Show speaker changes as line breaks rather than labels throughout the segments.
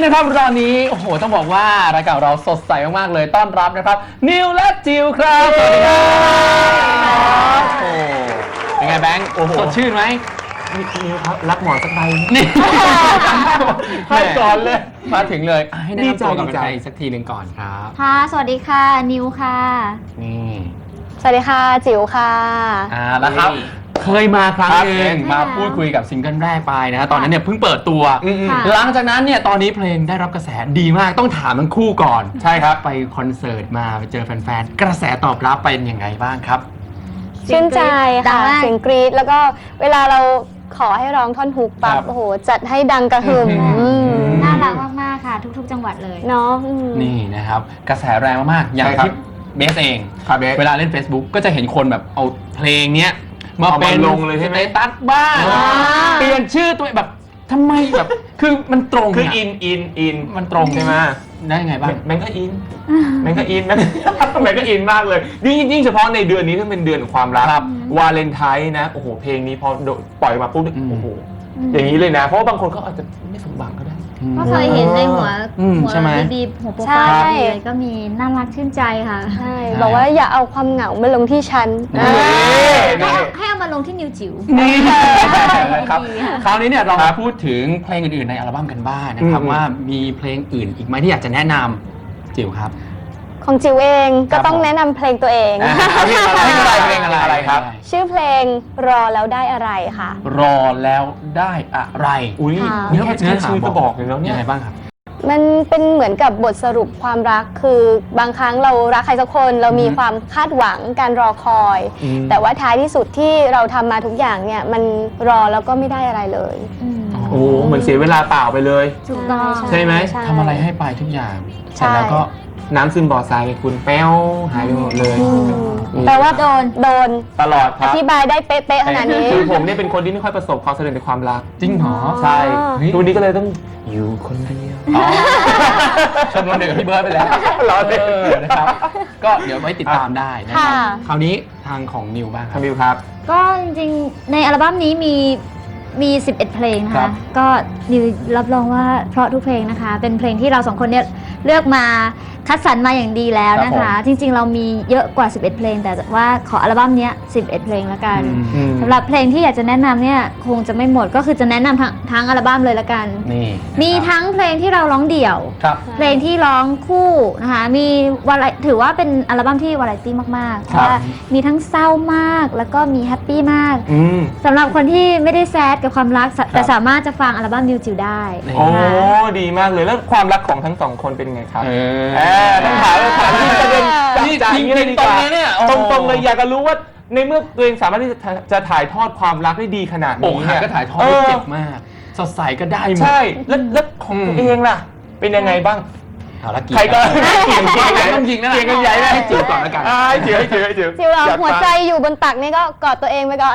นะครับตอนนี้โอ้โหต้องบอกว่ารายการเราสดใสมากๆเลยต้อนรับนะครับนิวและจิวครับสวัสดีครับโอ้เป็นไงแบงค์สดชื่นไหม
นิวครับรับหมอนสักใบ
นี่
ให้ก่อนเลย
มาถึงเลยให้แนะนำตัวกับใครสักทีหนึ่งก่อนครับ
ค่ะสวัสดีค่ะนิวค่ะ
นี่
สวัสดีค่ะจิ๋วค่ะ
แล้วครับเคยมาครั้งนึงมาพูดคุยกับซิงเกิลแรกไปนะตอนนั้นเนี่ยเพิ่งเปิดตัวหลังจากนั้นเนี่ยตอนนี้เพลงได้รับกระแสดีมากต้องถามทั้งคู่ก่อนใช่ครับไปคอนเสิร์ตมาไปเจอแฟนๆกระแสตอบรับเป็นยังไงบ้างครับ
ชื่นใจค่ะเสียงกรี๊ดแล้วก็เวลาเราขอให้ร้องท่อนฮุกปั๊บโอ้โหจัดให้ดังกระหึ่ม
น่ารักมากๆค่ะทุกๆจังหวัดเลย
เนาะ
นี่นะครับกระแสแรงมากๆอย่างที่เบสเองเวลาเล่น Facebook ก็จะเห็นคนแบบเอาเพลงเนี้ยมาเป็น
ลงเลยใช่ไหม
ตัดบ้างเปลี่ยนชื่อตัวแบบทำไมแบบคือมันตรง
คืออิน
มันตรงใช่ไหมได้ไงบ้าง
แมงก็อินแมงก็อินมากเลยยิ่งเฉพาะในเดือนนี้ที่เป็นเดือนของความรักวาเลนไทน์นะโอ้โหเพลงนี้พอปล่อยมาปุ๊บโอ้โหอย่างนี้เลยนะเพราะว่าบางคนเขาอาจจะไม่สมหวังก็ได้
ก็เคยเห็นในหัวบีหัวโปรไฟล์เลยก็มีน่ารักชื่นใจค่ะ
ใช่บอกว่าอย่าเอาความเหงามาลงที่ฉัน
ให้เอามาลงที่นิวจิ๋ว
นี่ครับคราวนี้เนี่ยเรามาพูดถึงเพลงอื่นๆในอัลบั้มกันบ้างนะครับว่ามีเพลงอื่นอีกไหมที่อยากจะแนะนำจิ๋วครับ
ของจิ๋วเองก็ต้องแนะนำเพลงตัวเอง
เพลงอะไรครับ
ชื่อเพลงรอแล้วได้อะไรค่ะ
รอแล้วได้อะไร
อุ้ยเนื้อชื่อก็บอกเลยแล้วเนี่ย
ยังไงบ้างครับ
มันเป็นเหมือนกับบทสรุปความรักคือบางครั้งเรารักใครสักคนเรามีความคาดหวังการรอคอยแต่ว่าท้ายที่สุดที่เราทำมาทุกอย่างเนี่ยมันรอแล้วก็ไม่ได้อะไรเลย
โอ้เหมือนเสียเวลาเปล่าไปเลย
ถูกต้อง
ใช่ไหม
ทำอะไรให้ไปทุกอย่างเสร็จแล้วก็
น้ำซึมบ่อทรายคุณแป้วหายไปหมดเลย
แปลว่าโดน
ตลอดครับ
อธิบายได้เป๊ะๆขนาดนี้
คือผมเนี่ยเป็นคนที่ไม่ค่อยประสบความสำเร็จในความรัก
จริงเหรอ
ใช่ทุกนี้ก็เลยต้องอยู่คนเดียว
ชมรมเดียวกับพี่เบิร์ดไปแล้ว
รอเลย
นะครับก็เดี๋ยวไว้ติดตามได้นะครับคราวนี้ทางของนิวบ้างครับ
นิวครับ
ก็จริงๆในอัลบั้มนี้มี11เพลงนะคะก็นิวรับรองว่าเพราะทุกเพลงนะคะเป็นเพลงที่เราสองคนเนี่ยเลือกมาคัดสรรมาอย่างดีแล้วนะคะจริงๆเรามีเยอะกว่า11เพลงแต่ว่าขออัลบั้มนี้11เพลงละกันสำหรับเพลงที่อยากจะแนะนำเนี่ยคงจะไม่หมดก็คือจะแนะนำทั้งอัลบั้มเลยละกันมีทั้งเพลงที่เราร้องเดี่ยวเพลงที่ร้องคู่นะคะมีถือว่าเป็นอัลบั้มที่วาไรตี้มากๆเพราะว่ามีทั้งเศร้ามากแล้วก็มีแฮปปี้มากสำหรับคนที่ไม่ได้แซดกับความรักแต่สามารถจะฟังอัลบั้มนิวจิ๋วได้
โอ้ดีมากเลยแล้วความรักของทั้งสองคนเป็นไงครับต้องถามที่ประเด็นจับใจนี้เลยดีกว่าตรงๆเลยอยากจะรู้ว่าในเมื่อตัวเองสามารถที่จะถ่ายทอดความรักได้ดีขนาดนี้
เนี่ยก็ถ่ายทอดได้เจ็บมากสดใสก็ได้หมด
ใช่แล้วของตัวเองล่ะเป็นยังไงบ้าง
ใครก็เกี่ยงต้องยิงนะ
เกี่ยงกันใหญ่
ให้จิ๋วก่อนแล้วกัน
ให้จิ๋ว
จิ๋วหัวใจอยู่บนตักนี่ก็กอดตัวเองไปก่อน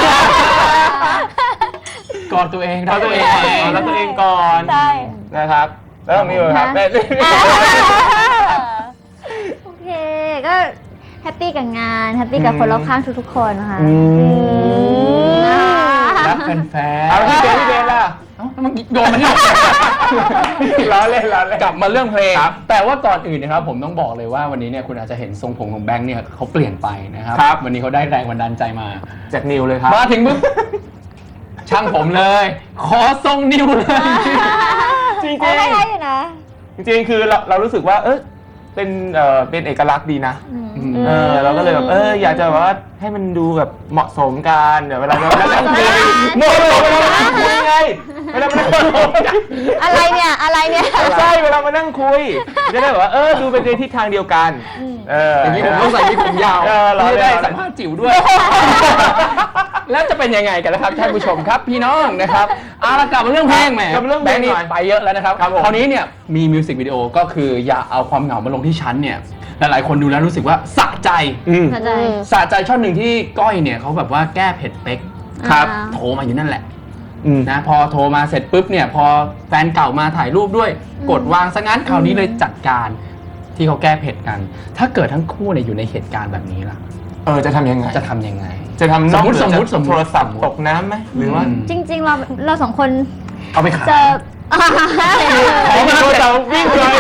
กอดตัวเอง
แล้วตัวเองก่อน
ใช่
นะครับแล้วมีเลยครับ
โอเคก็แฮปปี้กับงานแฮปปี้กับคนรอบข้างทุกๆคนนะคะ
รักแฟนๆ
เอาพี่เบนล่ะ
มันโดนมันนี่
ล้อเล่น
กลับมาเรื่องเพลงแต่ว่าก่อนอื่นนะครับผมต้องบอกเลยว่าวันนี้เนี่ยคุณอาจจะเห็นทรงผมของแบงค์เนี่ยเขาเปลี่ยนไปนะครับวันนี้เขาได้แรงบันดาลใจมา
จากนิวเลยครับ
มาถึงมึงช่างผมเลยขอทรงนิวเลย
จริง
ๆใช่อยู่นะ
จริงๆคือเรารู้สึกว่าเป็นเอกลักษณ์ดีนะเราก็เลยแบบอยากจะว่าให้มันดูแบบเหมาะสมกันเดี๋ยวเวลาเรานั่งคุยโน้ตคุยไงเวลามานั่ง
อะไรเนี่ย
ใช่เวลามานั่งคุยจะได้แบบว่าดูเป็นในทิศทางเดียวกัน
อย่างนี้ผมต้องใส่วิกผมยาวไม่ได้สัมภาษณ์จิ๋วด้วยแล้วจะเป็นยังไงกันนะครับท่านผู้ชมครับพี่น้องนะครับกลับมาเรื่องเพลงแหมแบงค์นี่ไปเยอะแล้วนะครับคราวนี้เนี่ยมีมิวสิกวิดีโอก็คืออย่าเอาความเหงามาลงที่ชั้นเนี่ยหลายๆคนดูแล้วรู้สึกว่าสะใจช่อนหนึ่งที่ก้อยเนี่ยเขาแบบว่าแก้เผ็ดเป๊กครับโทรมาอยู่นั่นแหละนะพอโทรมาเสร็จปุ๊บเนี่ยพอแฟนเก่ามาถ่ายรูปด้วยกดวางซะงั้นคราวนี้เลยจัดการที่เขาแก้เผ็ดกันถ้าเกิดทั้งคู่เนี่ยอยู่ในเหตุการณ์แบบนี้ล่ะ
จะทำยังไง
จะทำยังไง
สมมติโทรศัพท์ตกน้ำไหมหรือว่า
จริงๆเราสองคน
เอาไปขาย
ขอมาตัวเราวิ่งเลย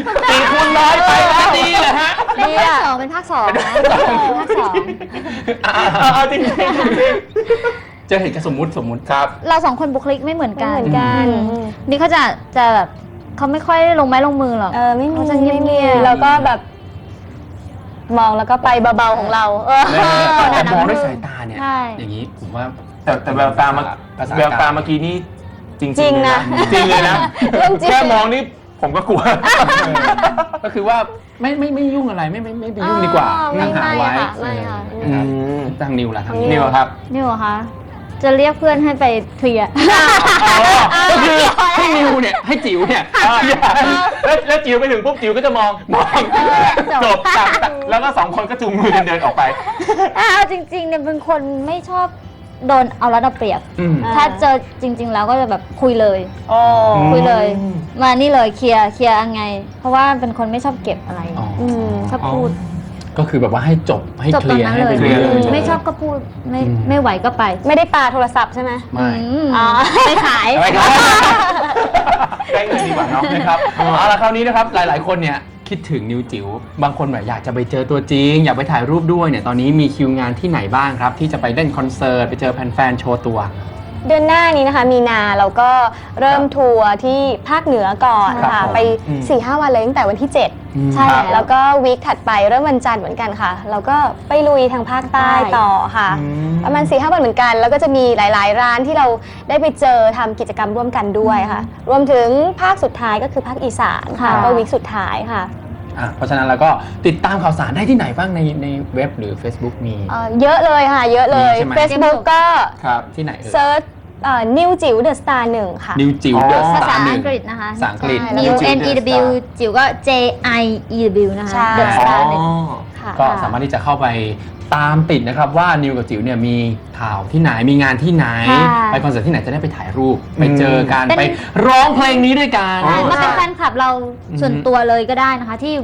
4 คูณ 100ไปแล้วดีเลยฮะ
เป็นภาคสองเป็นภาคสองนะภาคสอง
เอาจริง
เจอเหตุการณ์สมมุติครับ
เราสองคนบุคลิกไม่เหมือนกัน
ไม่เหมือนกัน
นี่เขาจะแบบเขาไม่ค่อยลงไม้ลงมือหรอก
ไม่มี
เขาจะเงียบๆ
ไม่มีแล้วก็แบบ มองแล้วก็ไปเบาๆของเรา
แต่มองด้วยสายตาเนี่ย
ใช่
อย่างนี้ผมว่า
แต่แววตาเมื่อกี้นี่จริง
จริงนะ
จริงเลยนะ
เรื่องจริง
แค่มองนี่ผมก็กลัว
ก็คือว่าไม่ยุ่งอะไรไม่ไปยุ่งดีกว่า
ไม่
ห่างๆไว้
ค่ะไม่ค่ะ
นะครับทางนิวล่ะทาง
นี่เหรอครับ
นี่เหรอคะจะเรียกเพื่อนให้ไปเคลียร์
ก็คือให้นิวเนี่ยให้จิ๋วเนี่ย
แล้วจิ๋วไปถึงปุ๊บจิ๋วก็จะมองจบแล้วก็2 คนก็จูงมือกันเดินออกไป
เอาจริงๆเนี่ยเป็นคนไม่ชอบโดนเอารัดเอาเปรียบ ถ้าเจอจริง ๆ แล้วก็จะแบบคุยเลย คุยเลย มานี่เลยเคลียร์ยังไง เพราะว่าเป็นคนไม่ชอบเก็บอะไรชอบพูด
ก็คือแบบว่าให้จบให้
จบ
เค
ตร
ลี
ง
ยร์
นั้น
ให้
เล
ไป
ย
เคลียร์เลย
ไม่ชอบก็พูดไม่ไหวก็ไป
ไม่ได้ปาโทรศัพท์ใช่ไหม
ไม่
ไม่ขาย
ไม่ครับ
ได้เงินดีกว่าเนาะ
นะครับเอาละคราวนี้นะครับหลายๆคนเนี่ยคิดถึงนิวจิ๋วบางคนแบบอยากจะไปเจอตัวจริง อยากไปถ่ายรูปด้วยเนี่ยตอนนี้มีคิวงานที่ไหนบ้างครับ ที่จะไปเล่นคอนเสิร์ตไปเจอแฟนๆโชว์ตัว
เดือนหน้านี้นะคะมีนาเราก็เริ่มทัวร์ที่ภาคเหนือก่อน
ครับ
ค่ะ
ผม
ไป 4-5 วันเลยตั้งแต่วันที่ 7 ใช่
ครับ
แล้วก็วีคถัดไปเริ่มวันจันทร์เหมือนกันค่ะ เราก็ไปลุยทางภาคใต้ต่อค่ะ ประมาณ 4-5 วันเหมือนกัน แล้วก็จะมีหลายๆร้านที่เราได้ไปเจอทำกิจกรรมร่วมกันด้วยค่ะ รวมถึงภาคสุดท้ายก็คือภาคอีสานค่ะ
ค่ะ
ก็วีคสุดท้ายค่ะ
เพราะฉะนั้นเราก็ติดตามข่าวสารได้ที่ไหนบ้างในเว็บหรือ Facebook มี
เยอะเลยค่ะ เยอะเลย
มีใช่ไหม
Facebook ก็
ครับที่ไหนเอ่ย
เซิร์ชนิวจิ๋วเดอะสตาร์1ค่ะ
นิวจิ๋วเดอะส
ภา
ตา
ษา
ร์หนึ่
อั
ง
งกฤษนะคะ
ภาษาอังกฤษ
ใช่
New
New
N E W จิ๋วก็ J I E W นะคะ
ใช่
The Star
อ๋อ
ค่ะ
ก็สามารถที่จะเข้าไปตามติดนะครับว่านิวกับจิ๋วเนี่ยมีข่าวที่ไหนมีงานที่ไหน
ค่ะ
ไปคอนเสิร์ตที่ไหนจะได้ไปถ่ายรูปไปเจอกัน
เป็น
ไปร้องเพลงนี้ด้วยกัน
ใช่มาเป็นแฟนคลับเราส่วนตัวเลยก็ได้นะคะ ที่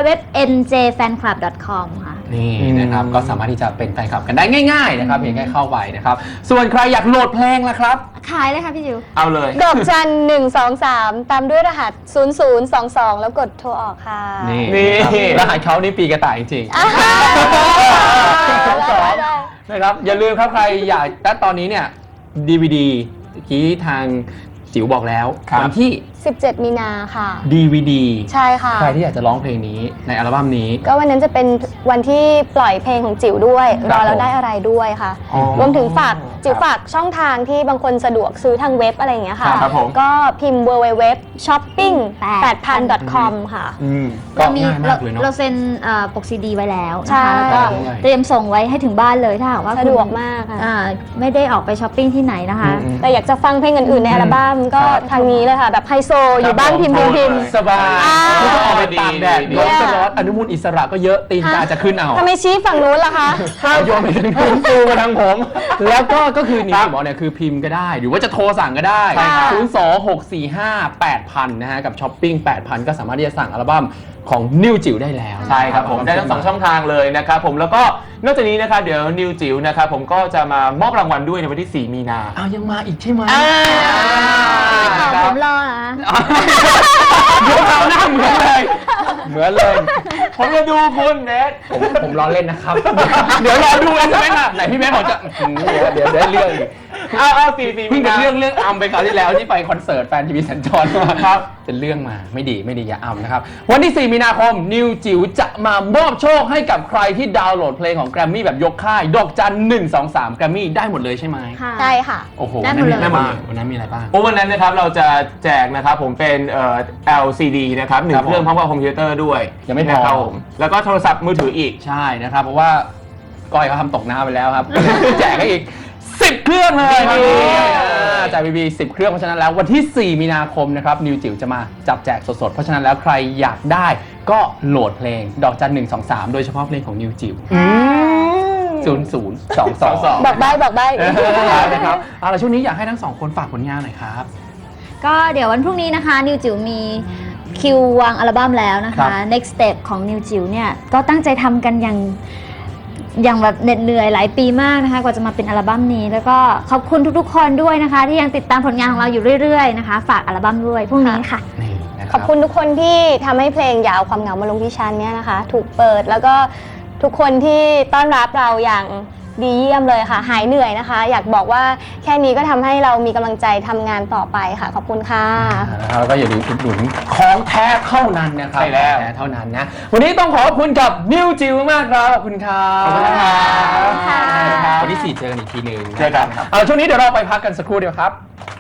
www.njfanclub.com ค่ะ
นี่นะครับก็สามารถที่จะเป็นแฟนคลับกันได้ง่ายๆนะครับเพียงแค่เข้าไปนะครับส่วนใครอยากโหลดเพลงล่ะครับ
ขายเลยค่ะพี่จิ๋ว
เอาเลย
ดอกจัน123 ตามด้วยรหัส 0022 แล้วกดโทรออกค่ะ
นี่
นี่
รหัสเขานี่ปีกระต่ายจริงๆ
ได้
นะครับอย่าลืมครับใครอยากและตอนนี้เนี่ย DVD เมื่อกี้ทางจิ๋วบอกแล้ว
ครับ
วันที่
17 มีนาค่ะ
DVD
ใช่ค่ะ
ใครที่อยากจะร้องเพลงนี้ในอัลบั้มนี้
ก็วันนั้นจะเป็นวันที่ปล่อยเพลงของจิ๋วด้วย รอแล้วได้อะไรด้วยค่ะ
อ๋อ
รวมถึงจิ๋วฝากช่องทางที่บางคนสะดวกซื้อทางเว็บอะไรอย่างเงี้ยค่ะ
ครับผม
ก็พิมพ์ www.shopping8000.com ค่ะ
ก็ง่ายมากเลยเนาะ
เราเซ็นปกซีดีไว้แล้ว
ใช่
นะคะแล้วก็
ด้วย
เตรียมส่งไว้ให้ถึงบ้านเลยถ้าหากว่า
สะดวกมากค่ะ
ไม่ได้ออกไปช้อปปิ้งที่ไหนนะคะ
แต่อยากจะฟังเพลงอื่นๆในอัลบั้มก็
ครับ
ทางนี้เลยค่ะ แบบไฮโซอยู่บ้านพิมพ์
สบาย
อ่า
ไม่ต้องออกไปตากแดด
ดี
ร้อนก็ร้อนอนุมูลอิสระก็เยอะตีนกาจะขึ้นเอา
ทำไมชี้ฝั่งนู้นล่ะคะ
โยนไปทางนู้นปูมาทางผม แล้วก็คือนี่ที่บอกเนี่ยคือพิมพ์ก็ได้ หรือว่าจะโทรสั่งก็ได้
ใช่ค่ะ
026458000นะฮะกับช้อปปิ้ง8,000 ก็สามารถที่จะสั่งอัลบั้มของนิวจิ๋วได้แล้ว
ใช่ครับผมได้ทั้ง2ช่องทางเลยนะครับผมแล้วก็นอกจากนี้นะครับเดี๋ยวนิวจิ๋วนะครับผมก็จะมามอบรางวัลด้วยในวันที่ 4 มีนา
อ้าวยังมาอีกใช่ไหม
ผมรอนะ
เดี๋ยวเราหน้าเหมือนเลยเหมือนเลย
ผมจะดูคุณเนท
ผมล้อเล่นนะครับ เดี๋ยวรอดูกันใช่ไหมล่ะไหนพี่แม่บอกจะเดี๋ยวได้เรื่องอีก
เอา4
เพิ่
มี
งเป็น
นา
เรื่องอัมไปคราวที่แล้วที่ไปคอนเสิร์ตแฟนทีวีสัญจรมา
ครับ
เป็นเรื่องมาไม่ดีอย่าอัมนะครับ วันที่ 4 มีนาคมนิวจิ๋วจะมามอบโชคให้กับใครที่ดาวน์โหลดเพลงของแกรมมี่แบบยกค่ายดอกจัน123แกรมมี่ได้หมดเลยใช่ไหม
ค่ะ
ใช่ค่ะ
โอ้โห
ได้หมดเลย
ได้หมดเลยวันนั้นมีอะไรบ้าง
เพราะวันนั้นนะครับเราจะแจกนะครับผมเป็นLCD นะครับหนึ่
ครั
ง
บ
เครื่องพร้อมกับคอมพิวเตอร์ด้วย
ยังไม่พอ
นะครับผมแล้วก็โทรศัพท์มือถืออีก
ใช่นะครับ เพราะว่าก้อยเขาทำตกน้ำไปแล้วครับ แจกให้อีก 10 เครื่องเลยครับจากบีบี10 เครื่องเพราะฉะนั้นแล้ววันที่ 4 มีนาคมนะครับนิวจิ๋วจะมาจับแจกสดๆ เพราะฉะนั้นแล้วใครอยากได้ก็โหลดเพลงดอกจัน123 โดยเฉพาะเพลงของนิวจิ๋ว0022
บอกใบ้
นะครับเอาล่ะช่วงนี้อยากให้ทั้งสองคนฝากผลงานหน่อยครับ
ก็เดี๋ยววันพรุ่งนี้นะคะ นิวจิ๋วมีคิววางอัลบั้มแล้วนะ
ครั
คะ
บ
Next Step ของนิวจิ๋วเนี่ยก็ตั้งใจทำกันอย่างอย่างแบบเหน็ดเหนื่อยหลายปีมากนะคะกว่าจะมาเป็นอัลบั้มนี้ แล้วก็ขอบคุณทุกๆคนด้วยนะคะ ที่ยังติดตามผลงานของเราอยู่เรื่อยๆนะคะฝากอัลบั้มด้วยพรุ่งนี้ค่ะ
นี่นะค
ข
รั
อบคุณทุกคนที่ทำให้เพลงอย่าเอาความเหงามาลงที่ฉันเนี่ยนะคะถูกเปิดแล้วก็ทุกคนที่ต้อนรับเราอย่างดีเยี่ยมเลยค่ะหายเหนื่อยนะคะ อยากบอกว่าแค่นี้ก็ทำให้เรามีกำลังใจทำงานต่อไปค่ะขอบคุณค่ะ
แล้วก็อย่าลืมอุดหนุนของแท้เท่านั้นนะครับ
ใช่แล้ว
ของท้เท่านั้นนะวันนี้ต้องขอบคุณกับนิวจิวมากครับขอบคุณครับ
ขอบคุณครับ
วันที่ 4 เจอกันอีกทีหนึ่ง
เจอกันครับ
เอาช่วงนี้เดี๋ยวเราไปพักกันสักครู่เดียวครับ